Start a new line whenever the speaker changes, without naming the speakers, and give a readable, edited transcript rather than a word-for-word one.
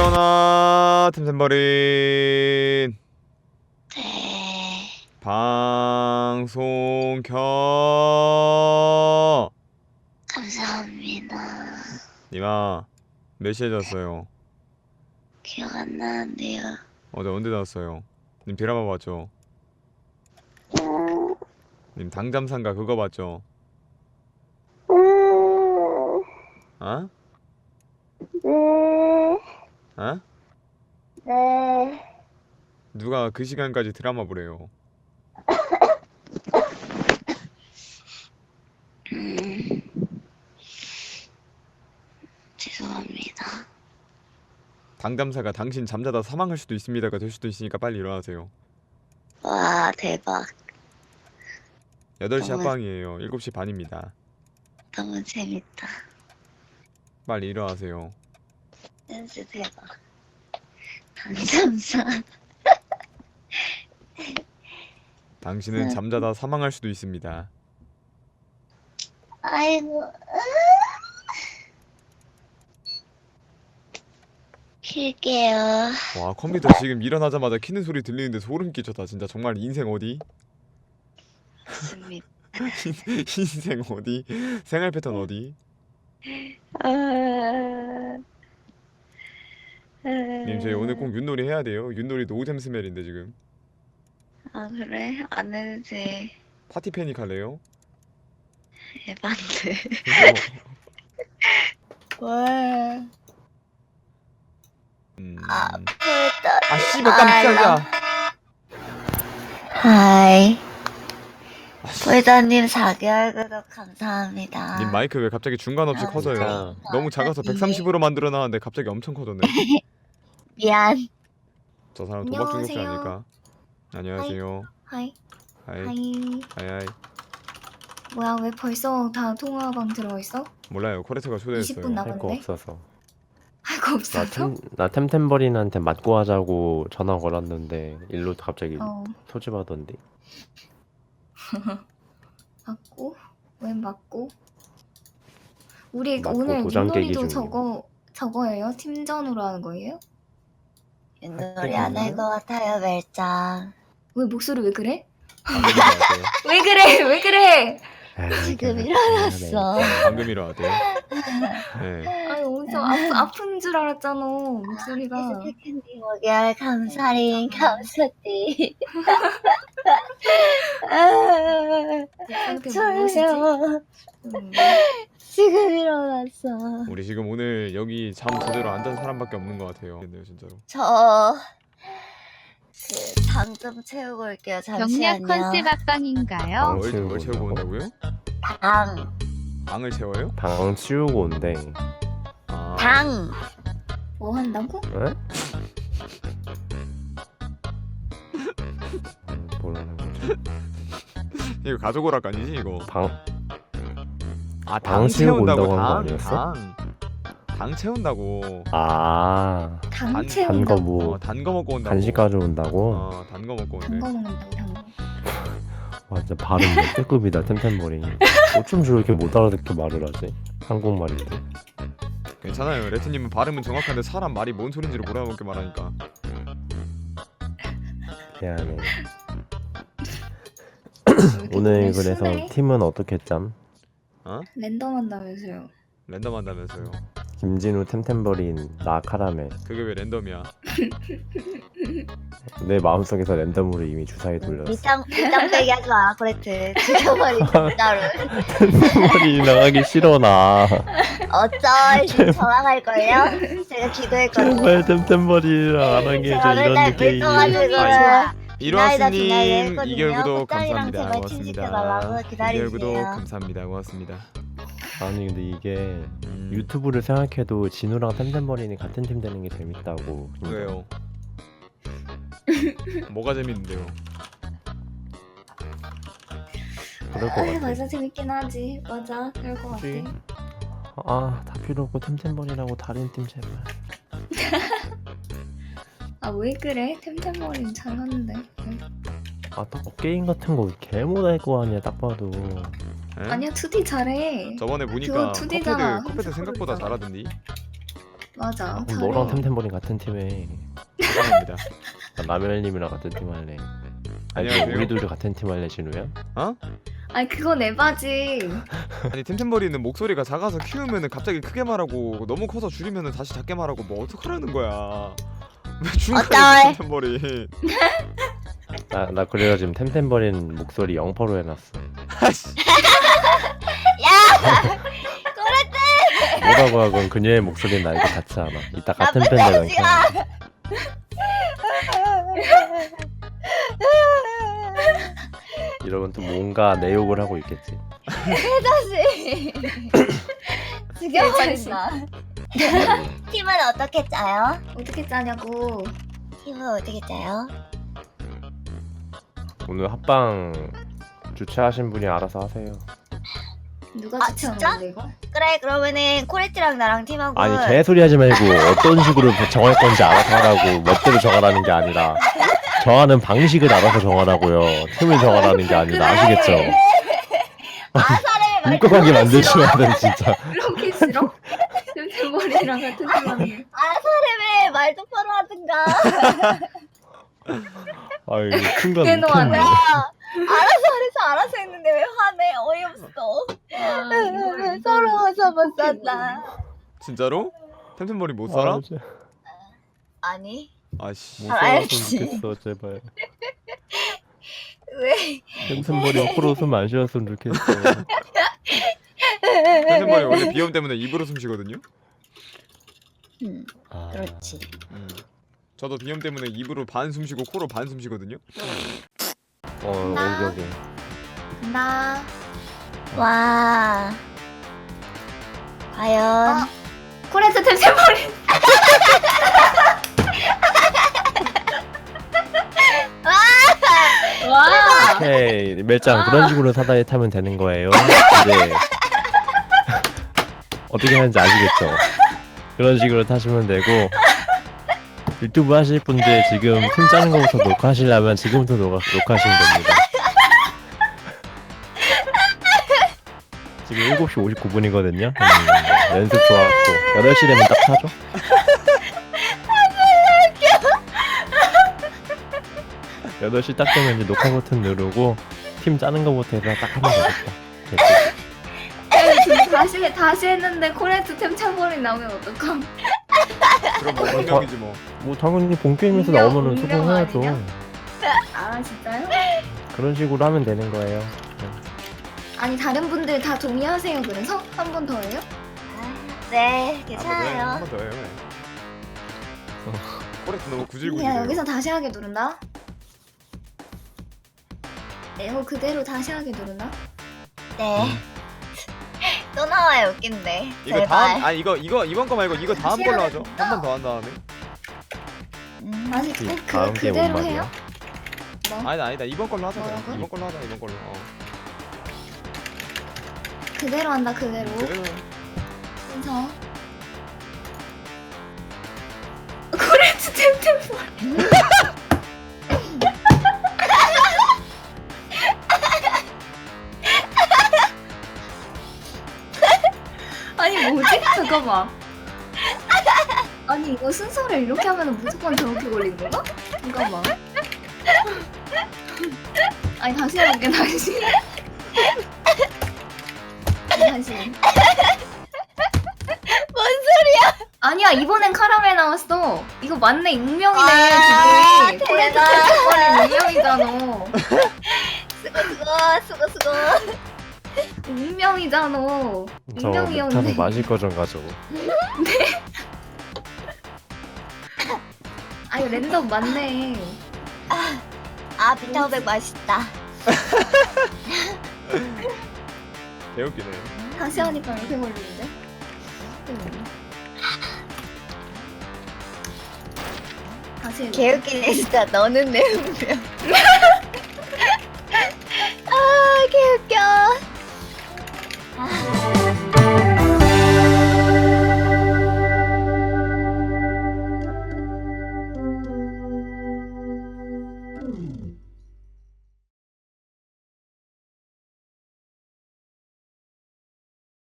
일어나 템템버린.
네.
방송 켜.
감사합니다.
님아 몇 시에 잤어요?
기억 안 나는데요.
어제 언제 잤어요? 님 드라마 봤죠? 님 당잠산가 그거 봤죠? 어?
네.
어?
네.
누가 그 시간까지 드라마 보래요?
죄송합니다.
당잠사가 당신 잠자다 사망할 수도 있습니다가 될 수도 있으니까 빨리 일어나세요.
와, 대박.
8시
너무-
합방이에요. 7시 반입니다.
너무 재밌다.
빨리 일어나세요.
센스 대박. 감사합니다.
당신은
네.
잠자다 사망할 수도 있습니다.
아이고. 킬게요.
와 컴퓨터 지금 일어나자마자 키는 소리 들리는데 소름 끼쳤다. 진짜 정말 인생 어디?
좋습니다.
인생 어디? 생활 패턴 어디? 님 저희 오늘 꼭 윷놀이 해야 돼요. 윷놀이 노잼 스멜인데 지금.
아, 그래? 안 해도 돼.
파티 패닉 할래요?
에반데.
어,
와. 아,
아 씨발 깜짝이야.
하이.
아, 씨.
불더님 4개월 구독 감사합니다.
님 마이크 왜 갑자기 중간 없이
아,
커져요?
진짜.
너무 작아서 130으로 만들어놨는데 갑자기 엄청 커졌네.
미안.
저 사람 도박 중독자
안녕하세요.
아닐까? 안녕하세요.
하이.
하이.
하이.
하이.
뭐야, 왜 벌써 다 통화방 들어있어?
몰라요. 코레트가
20분
초대했어요.
남-
할 거
나갔네?
없어서
할 거 없어서?
나 템템버린한테 맞고 하자고 전화 걸었는데 일로 갑자기
어,
소집하던데.
맞고? 웬 맞고? 우리
맞고
오늘
도장 깨기
윷놀이도
중이에요.
저거예요? 팀전으로 하는 거예요?
윷놀이 안할
것 같아요, 멜짱. 왜 목소리 왜 그래?
방금 일어났대요.
왜 그래? 왜 그래?
지금
일어났어.
방금 일어났대요. 네.
아니 엄청 아픈 줄 알았잖아 목소리가.
캔디 먹여 감사링 감사띠
상태 무엇이지?
졸려
음.
지금 일어났어.
우리 지금 오늘 여기 잠 제대로 안 잔 사람밖에 없는 것 같아요. 네, 진짜로.
저 당 좀 채우고 올게요.
경략
잠시만요.
컨셉 합방인가요?
뭘 채우고 온다고요?
당.
방을 채워요?
방 치우고 온대.
아,
당.
뭐 한다고?
에? 뭐라는 거지?
이거 가져오락 아니지 이거?
방
아,
방
당
채우고
채운다고.
온다고 한거
당,
아니었어?
당 채운다고.
아,
당
단
채운다.
거 뭐
단 거 먹고 온다고.
간식 가져온다고?
단 거 먹고 온대.
단거 먹는다고 단거.
와 진짜 발음 역대급이다 템템버린. 어쩜 저렇게 못 알아듣게 말을 하지? 한국말인데.
괜찮아요. 레트님은 발음은 정확한데 사람 말이 뭔 소린지를 몰라먹게 말하니까.
미안해.
이렇게
오늘
노래
그래서
순해?
팀은 어떻게 짬?
랜덤한다면서요.
랜덤 한다면서요.
김진우 템템버린 나 카라멜.
그게 왜 랜덤이야?
내 마음속에서 랜덤으로 이미 주사위 돌렸어.
밑장 빼기 하지 마. 그랬지. 죽여버리 진짜로.
템템버린이 나가기 싫어 나.
어쩔 지금 전화갈 걸요. 제가 기도했거든요.
제발 템템버린이랑 안 하게 해줘
제가
이런
맨날
게임.
불떠가지고.
이로하스님
했거든요.
2개월 구독
꽃다리랑
감사합니다.
제발
고맙습니다.
친지켜달라고
2개월 구독
기다리세요.
감사합니다. 고맙습니다.
아니 근데 이게 유튜브를 생각해도 진우랑 템템버린이 같은 팀 되는 게 재밌다고.
왜요? 뭐가 재밌는데요?
그럴 것 같아.
맞아 재밌긴 하지. 맞아 그럴 것 같아.
그치? 아, 다 필요 없고 템템버린하고 다른 팀 제발.
아 왜 그래? 템템머리는 잘하는데.
아, 또 게임 같은 거 개 못할 거 아니야 딱 봐도.
에?
아니야 2D 잘해.
저번에 보니까
그거 2D 잖아.
컵헤드 생각보다
홈스크롤이잖아.
잘하던디.
맞아.
그럼 너랑 템템버린 같은 팀에
죄송합니다.
나 라멜님이랑 같은 팀 할래. 아니
안녕하세요.
우리 둘이 같은 팀 할래 진우야?
어?
아니 그건 에바지.
아니 템템버리는 목소리가 작아서 키우면은 갑자기 크게 말하고 너무 커서 줄이면은 다시 작게 말하고 뭐 어떡하라는 거야. 왜 중간에
어쩔.
템템버리.
나 그래가 지금 템템버린 목소리 0%로 해놨어.
아씨.
뭐라고 하건 그녀의 목소리는 나이가 같지 않아. 이따 같은 밴드
나쁜
랭킹. 이러면 또 뭔가 내 욕을 하고 있겠지.
다시 죽여버린다. 팀은 어떻게 짜요?
어떻게 짜냐고.
팀은 어떻게 짜요?
오늘 합방 주최하신 분이 알아서 하세요.
누가
아,
추천한
진짜?
건데 이거?
그래 그러면은 코레트랑 나랑 팀하고
아니 개소리 하지 말고 어떤 식으로 정할 건지 알아서 하라고 멋대로 정하라는 게 아니라 정하는 방식을 알아서 정하라고요. 팀을 정하라는 게 아니라 아시겠죠?
아사를
울컥하게 만드시면 돼 진짜.
그렇게 싫어? 템템버리랑 같은 팀하는.
아사를 말 똑바로 하든가.
아이 순간
대노하네.
웃겼네.
알아서 했는데 왜 화내? 어이없어.
아,
서러워서 못 산다.
진짜로? 템템버리 못 살아?
아, 진짜
아니
아씨.
못
알지.
살았으면 좋겠어 제발.
왜?
템템버리 코로 숨 안 쉬었으면 좋겠어.
템템버리 원래 비염 때문에 입으로 숨 쉬거든요.
아,
그렇지.
저도 비염 때문에 입으로 반 숨 쉬고 코로 반 숨 쉬거든요.
여기.
나
와. 과연
코레트 템템버리. 와.
오케이 멜짱 그런 식으로 사다리 타면 되는 거예요. 이제 어떻게 하는지 아시겠죠? 그런 식으로 타시면 되고 유튜브 하실 분들 지금 팀 짜는 거부터 녹화하시려면 지금부터 녹화하시면 됩니다. 지금 7시 59분이거든요. 연습 좋았고 8시 되면 딱 타죠? 아, 8시 딱 되면 이제 녹화 버튼 누르고 팀 짜는 거부터 해서 딱 하면 되겠다. 됐지?
다시 했는데 코레트 템템버리 나오면 어떡함?
그럼 뭐 운명이지 뭐.
뭐 당연히 본 게임에서
운명,
나오면은
운명
소통해야죠.
아니냐? 아 진짜요?
그런 식으로 하면 되는 거예요.
아니 다른 분들 다 동의하세요. 그래서 한 번 더 해요?
네 괜찮아요.
한번 더 해요. 코레트 너무 구질구질해요.
그냥 여기서 다시 하게 누른다. 이거 그대로 다시 하게 누른다.
네. 또 나와요 웃긴데.
이거
제발.
다음 아니 이거 이번 거 말고 이거 다음 걸로 하죠. 한 번 더 한 다음에.
아니
다음 게임 뭔
그대로
말이야?
해요? 뭐?
아니다 이번 걸로 하자. 그냥.
뭐라고?
이번 걸로 하자 이번 걸로.
그대로 한다 그대로.
그래요.
순서. 코레트 템템버리. 아니 뭐지? 잠깐만. 아니 이거 순서를 이렇게 하면 무조건 저렇게 걸리는 건가? 잠깐만. 아니 다시 해볼게 다시. 다시.
뭔 소리야?
아니야 이번엔 카라멜 나왔어. 이거 맞네 익명이네
아,
지금. 코레트
대박.
템템버리 익명이잖아.
수고.
익명이잖아.
저 타서
익명이었네.
마실 거 좀 가져.
아 이거 랜덤 맞네.
아 비타오백 맛있다.
개웃기네.
다시 하니까 이렇게 걸리는데? 다시 해볼게.
개웃기네 진짜. 너는 내 운명. 아 개웃겨.